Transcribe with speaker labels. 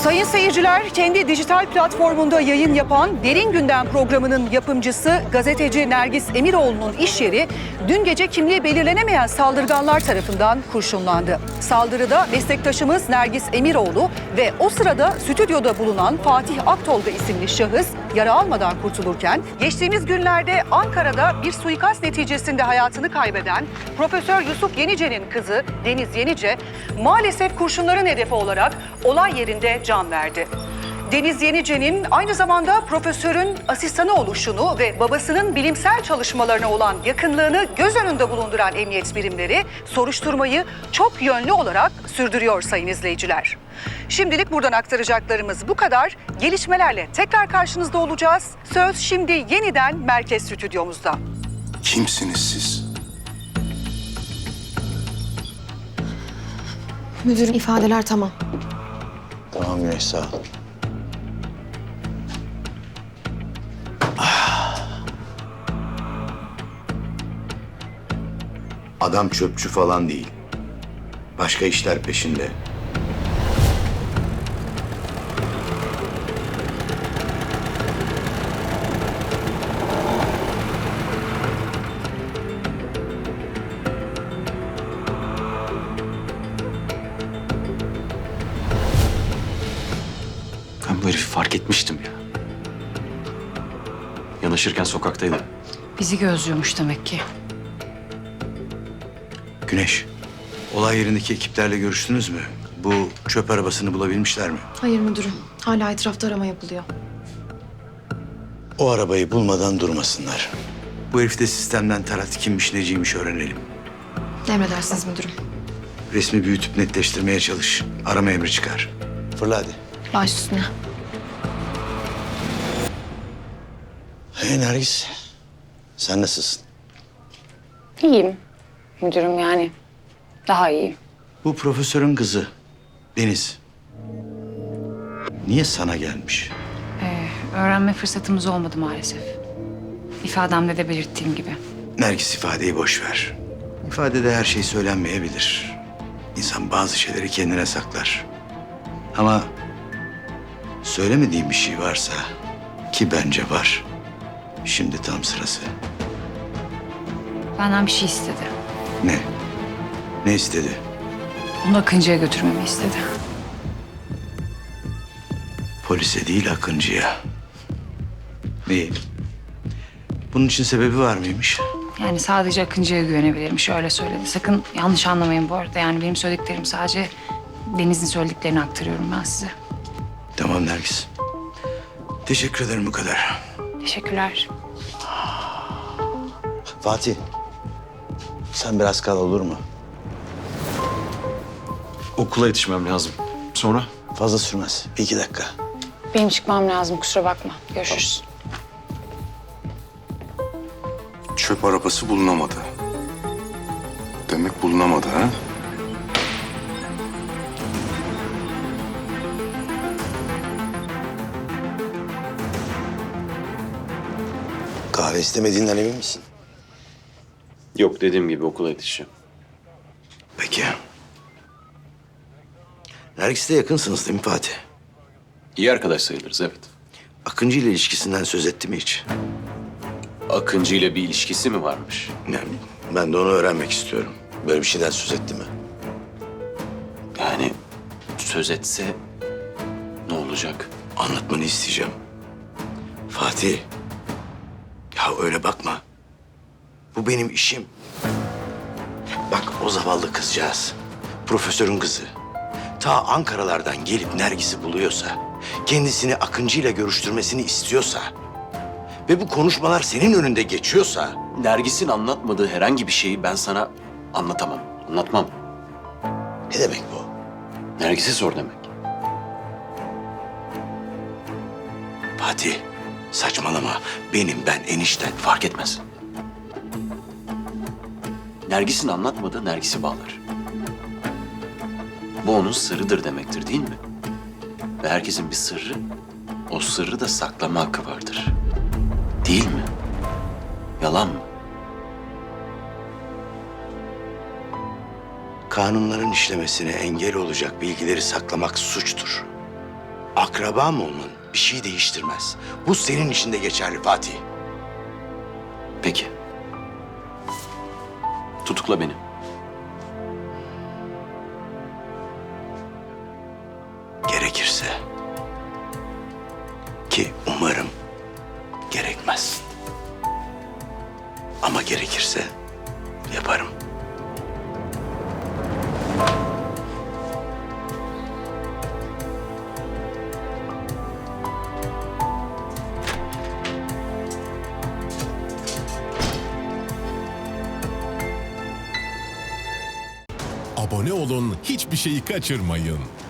Speaker 1: Sayın seyirciler, kendi dijital platformunda yayın yapan Derin Gündem programının yapımcısı gazeteci Nergis Emiroğlu'nun iş yeri dün gece kimliği belirlenemeyen saldırganlar tarafından kurşunlandı. Saldırıda meslektaşımız Nergis Emiroğlu ve o sırada stüdyoda bulunan Fatih Aktolga isimli şahıs yara almadan kurtulurken, geçtiğimiz günlerde Ankara'da bir suikast neticesinde hayatını kaybeden Profesör Yusuf Yenice'nin kızı Deniz Yenice maalesef kurşunların hedefi olarak olay yerinde can verdi. Deniz Yenice'nin aynı zamanda profesörün asistanı oluşunu ve babasının bilimsel çalışmalarına olan yakınlığını göz önünde bulunduran emniyet birimleri soruşturmayı çok yönlü olarak sürdürüyor sayın izleyiciler. Şimdilik buradan aktaracaklarımız bu kadar. Gelişmelerle tekrar karşınızda olacağız. Söz şimdi yeniden merkez stüdyomuzda.
Speaker 2: Kimsiniz siz?
Speaker 3: Müdürüm, ifadeler tamam.
Speaker 2: Tamam Güneş, sağ ol. Adam çöpçü falan değil. Başka işler peşinde.
Speaker 4: Ben bu herifi fark etmiştim ya. Yanaşırken sokaktaydı.
Speaker 5: Bizi gözlüyormuş demek ki.
Speaker 2: Güneş, olay yerindeki ekiplerle görüştünüz mü? Bu çöp arabasını bulabilmişler mi?
Speaker 3: Hayır müdürüm, hala etrafta arama yapılıyor.
Speaker 2: O arabayı bulmadan durmasınlar. Bu herif de sistemden tarat, kimmiş neciymiş öğrenelim.
Speaker 3: Emredersiniz müdürüm.
Speaker 2: Resmi büyütüp netleştirmeye çalış. Arama emri çıkar. Fırla hadi.
Speaker 3: Baş üstüne.
Speaker 2: Hey Nergis, sen nasılsın?
Speaker 5: İyiyim müdürüm yani. Daha iyiyim.
Speaker 2: Bu profesörün kızı Deniz. Niye sana gelmiş?
Speaker 5: Öğrenme fırsatımız olmadı maalesef. İfademde de belirttiğim gibi.
Speaker 2: Nergis, ifadeyi boş ver. İfadede her şey söylenmeyebilir. İnsan bazı şeyleri kendine saklar. Ama söylemediğim bir şey varsa, ki bence var, şimdi tam sırası.
Speaker 5: Benden bir şey istedi.
Speaker 2: Ne? Ne istedi?
Speaker 5: Onu Akıncı'ya götürmemi istedi.
Speaker 2: Polise değil, Akıncı'ya. İyi. Bunun için sebebi var mıymış?
Speaker 5: Yani sadece Akıncı'ya güvenebilirmiş öyle söyledi. Sakın yanlış anlamayın bu arada. Yani benim söylediklerim sadece Deniz'in söylediklerini aktarıyorum ben size.
Speaker 2: Tamam Nergis. Teşekkür ederim, bu kadar.
Speaker 5: Teşekkürler.
Speaker 2: Fatih, sen biraz kal, olur mu?
Speaker 4: Okula yetişmem lazım. Sonra?
Speaker 2: Fazla sürmez. Bir iki dakika.
Speaker 5: Benim çıkmam lazım kusura bakma. Görüşürüz.
Speaker 6: Çöp arabası bulunamadı. Demek bulunamadı ha?
Speaker 2: Kahve istemediğinden emin misin?
Speaker 4: Yok, dediğim gibi okula yetişeceğim.
Speaker 2: Peki. Nergis'le yakınsınız değil mi Fatih?
Speaker 4: İyi arkadaş sayılırız, evet.
Speaker 2: Akıncı ile ilişkisinden söz etti mi hiç?
Speaker 4: Akıncı ile bir ilişkisi mi varmış?
Speaker 2: Yani ben de onu öğrenmek istiyorum. Böyle bir şeyden söz etti mi?
Speaker 4: Yani söz etse ne olacak?
Speaker 2: Anlatmanı isteyeceğim. Fatih. Ya öyle bakma. Bu benim işim. Bak, o zavallı kızcağız, profesörün kızı, ta Ankara'lardan gelip Nergis'i buluyorsa, kendisini Akıncı ile görüştürmesini istiyorsa ve bu konuşmalar senin önünde geçiyorsa...
Speaker 4: Nergis'in anlatmadığı herhangi bir şeyi ben sana anlatamam, anlatmam.
Speaker 2: Ne demek bu?
Speaker 4: Nergis'e sor demek.
Speaker 2: Fatih, saçmalama. Ben enişten.
Speaker 4: Fark etmez. Nergis'in anlatmadığı Nergis'i bağlar. Bu onun sırrıdır demektir, değil mi? Ve herkesin bir sırrı, o sırrı da saklama hakkı vardır. Değil mi? Yalan mı?
Speaker 2: Kanunların işlemesine engel olacak bilgileri saklamak suçtur. akrabam olman bir şey değiştirmez. Bu senin için de geçerli Fatih.
Speaker 4: Peki. Tutukla beni.
Speaker 2: Gerekirse. Ki umarım gerekmez. Ama gerekirse yaparım.
Speaker 7: Abone olun, hiçbir şeyi kaçırmayın.